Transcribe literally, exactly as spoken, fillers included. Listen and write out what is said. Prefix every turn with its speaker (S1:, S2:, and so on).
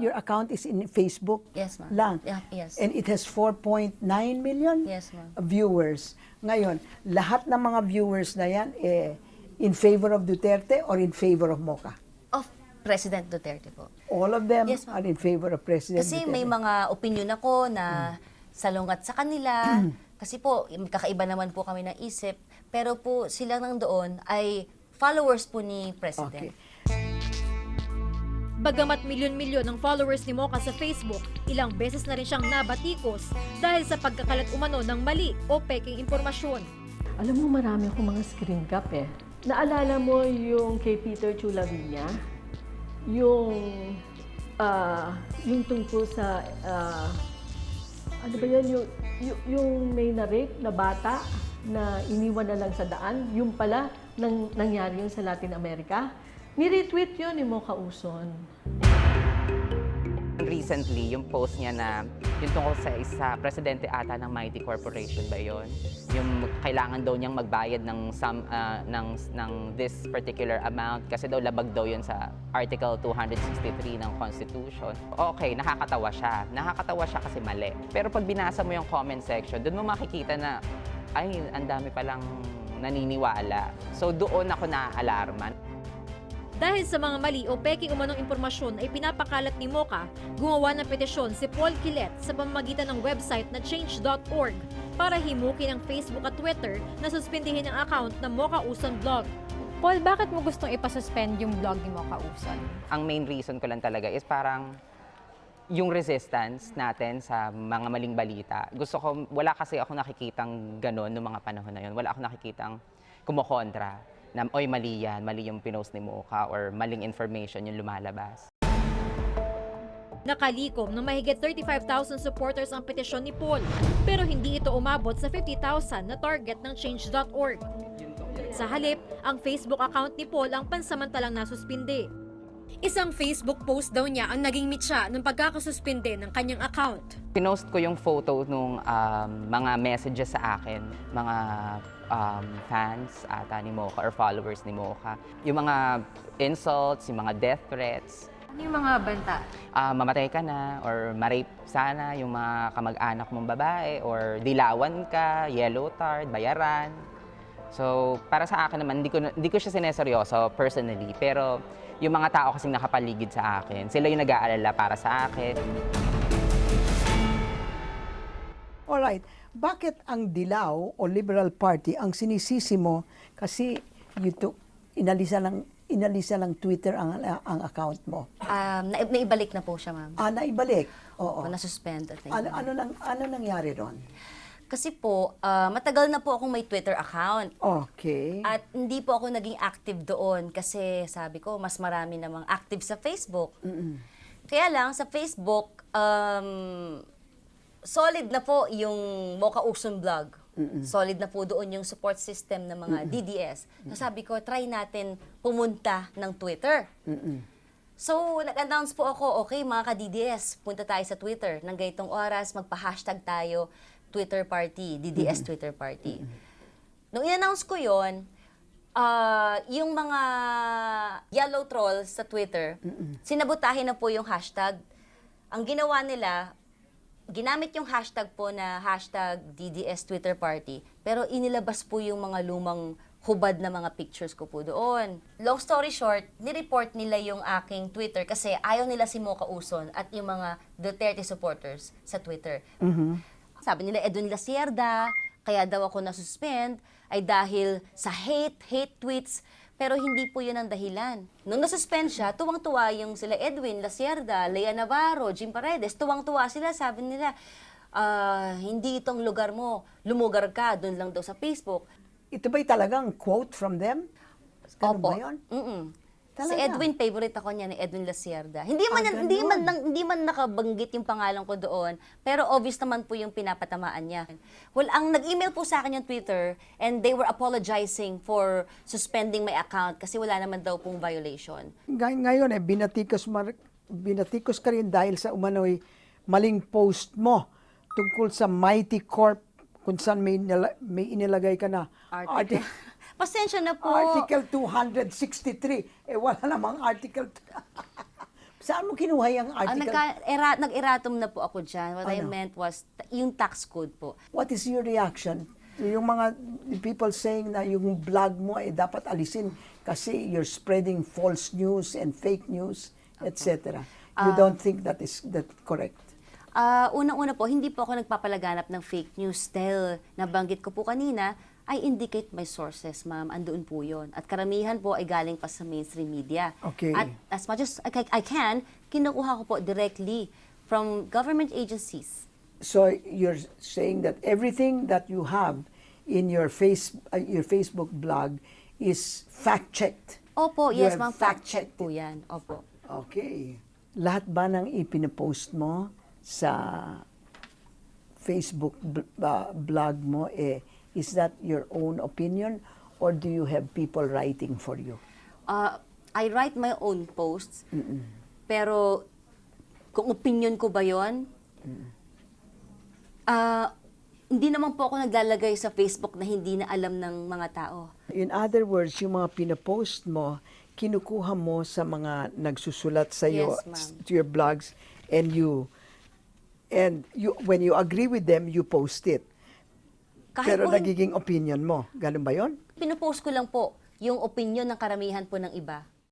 S1: your account is in Facebook
S2: Yes, ma'am.
S1: lang.
S2: Yeah, yes.
S1: And it has four point nine million
S2: Yes, ma'am.
S1: viewers. Ngayon, lahat ng mga viewers na yan, eh, in favor of Duterte or in favor of Moca?
S2: Of President Duterte po.
S1: All of them
S2: Yes, ma'am.
S1: are in favor of President
S2: Kasi
S1: Duterte.
S2: may mga opinion ako na salungat sa kanila. Kasi po, kakaiba naman po kami ng isip. Pero po, sila nang doon ay followers po ni President.
S1: Okay.
S3: Bagamat milyon-milyon ang followers ni Mocha sa Facebook, ilang beses na rin siyang nabatikos dahil sa pagkakalat umano ng mali o peking impormasyon.
S4: Alam mo, marami akong mga screen cap eh. Naalala mo yung kay Peter Chulavilla? Yung, ah, yung tungkol sa, ah, ano ba yan, yung, yung, yung may na-rape na bata na iniwan na lang sa daan, yung pala, nang, nangyari yun sa Latin America. Ni-retweet yun ni Mocha Uson.
S5: Recently, yung post niya na yung tungkol sa isa, presidente ata ng Mighty Corporation ba yun? Yung kailangan daw niyang magbayad ng, some, uh, ng, ng this particular amount kasi daw labag daw yun sa Article two sixty-three ng Constitution. Okay, nakakatawa siya. Nakakatawa siya kasi mali. Pero pag binasa mo yung comment section, doon mo makikita na, ay, ang dami palang naniniwala. So doon ako na-alarma.
S3: Dahil sa mga mali o peking umanong impormasyon ay pinapakalat ni Mocha, gumawa ng petisyon si Paul Quilet sa pamamagitan ng website na change dot org para himukin ang Facebook at Twitter na suspindihin ang account ng Mocha Uson Blog.
S6: Paul, bakit mo gustong ipasuspend yung blog ni Mocha Uson?
S5: Ang main reason ko lang talaga is parang yung resistance natin sa mga maling balita. Gusto ko, wala kasi ako nakikitang gano'n noong mga panahon na yun. Wala ako nakikitang kumokontra na, oy, mali yan, mali yung pinost ni Mocha or maling information yung lumalabas.
S3: Nakalikom ng mahigit thirty-five thousand supporters ang petisyon ni Paul, pero hindi ito umabot sa fifty thousand na target ng change dot org. Sa halip, ang Facebook account ni Paul ang pansamantalang nasuspindi. Isang Facebook post daw niya ang naging mitya ng pagkakasuspinde ng kanyang account.
S5: Pinost ko yung photo nung um, mga messages sa akin, mga um, fans ata ni Mocha or followers ni Mocha. Yung mga insults, yung mga death threats.
S6: Ano yung mga banta?
S5: Uh, mamatay ka na or ma-rape sana yung mga kamag-anak mong babae or dilawan ka, yellow tard, bayaran. So, para sa akin naman, hindi ko, hindi ko siya sineseryoso personally, pero yung mga tao kasing nakapaligid sa akin, sila yung nag-aalala para sa akin.
S1: Alright, bakit ang Dilaw o Liberal Party ang sinisisi mo kasi you took, inalisa lang, inalisa lang Twitter ang, ang account mo?
S2: Um, na, naibalik na po siya, ma'am.
S1: Ah, naibalik? Oo.
S2: O, nasuspend at
S1: Ano, ano, nang, ano nangyari doon?
S2: Kasi po, ah, matagal na po akong may Twitter account.
S1: Okay.
S2: At hindi po ako naging active doon kasi sabi ko, mas marami namang active sa Facebook.
S1: Mm-mm.
S2: Kaya lang, sa Facebook, um, solid na po yung Mocha Uson Blog. Solid na po doon yung support system ng mga D D S. So sabi ko, try natin pumunta ng Twitter.
S1: Mm-mm.
S2: So, nag-announce po ako, okay mga ka-D D S, punta tayo sa Twitter. Nang ganitong oras, magpa-hashtag tayo, Twitter Party, D D S mm-hmm. Twitter Party. Mm-hmm. Nung in-announce ko yon, uh, yung mga yellow trolls sa Twitter, mm-hmm. sinabotahin na po yung hashtag. Ang ginawa nila, ginamit yung hashtag po na hashtag D D S Twitter Party, pero inilabas po yung mga lumang hubad na mga pictures ko po doon. Long story short, nireport nila yung aking Twitter kasi ayaw nila si Mocha Uson at yung mga Duterte supporters sa Twitter.
S1: Mm-hmm.
S2: Sabi nila, Edwin Lacierda, kaya daw ako nasuspend, ay dahil sa hate, hate tweets, pero hindi po yun ang dahilan. Nung nasuspend siya, tuwang-tuwa yung sila Edwin Lacierda, Lea Navarro, Jim Paredes, tuwang-tuwa sila, sabi nila, uh, hindi itong lugar mo, lumugar ka, doon lang daw sa Facebook.
S1: Ito ba'y talagang quote from them? Ganun
S2: Opo.
S1: ba yun?
S2: Mm-mm. Si
S1: Talaga?
S2: Edwin, favorite ako niya ni Edwin Lacierda. Hindi man,
S1: Ah,
S2: hindi man,
S1: ganun.
S2: hindi man nakabanggit yung pangalan ko doon, pero obvious naman po yung pinapatamaan niya. Well, ang nag-email po sa akin yung Twitter, and they were apologizing for suspending my account kasi wala naman daw pong violation.
S1: Ngay- Ngayon eh, binatikos, mar- binatikos ka rin dahil sa umano'y maling post mo tungkol sa Mighty Corp kung saan may, nila- may inilagay ka na
S2: Article.
S1: arti-
S2: Pasensya na po.
S1: Article two sixty-three. Eh, wala namang Article Saan mo kinuha yung
S2: Ah,
S1: article?
S2: nagka, era, nag-erratum na po ako dyan. What I
S1: Ano?
S2: meant was, t- yung tax code po.
S1: What is your reaction? Yung mga people saying na yung blog mo ay dapat alisin kasi you're spreading false news and fake news, et cetera. You don't think that is that correct?
S2: Ah, unang-una po, hindi po ako nagpapalaganap ng fake news dahil nabanggit ko po kanina, I indicate my sources, ma'am. Andoon po yun. At karamihan po ay galing pa sa mainstream media.
S1: Okay.
S2: At as much as I I can, kinukuha ko po directly from government agencies.
S1: So you're saying that everything that you have in your face uh, your Facebook blog is fact checked.
S2: Opo,
S1: You
S2: yes,
S1: have
S2: ma'am. Fact check
S1: fact-checked
S2: po yan. Opo.
S1: Okay. Lahat ba ng ipinopost mo sa Facebook bl- uh, blog mo eh is that your own opinion or do you have people writing for you?
S2: Uh, I write my own posts, pero kung opinion ko ba yun, ah, hindi naman po ako naglalagay sa Facebook na hindi na alam ng mga tao.
S1: In other words, yung mga pinopost mo, kinukuha mo sa mga nagsusulat sa iyo,
S2: Yes, ma'am.
S1: to your blogs, and you, and you, when you agree with them, you post it.
S2: Kahit
S1: Pero
S2: po,
S1: nagiging opinion mo. Ganun ba yon?
S2: pinupost ko lang po yung opinion ng karamihan po ng iba.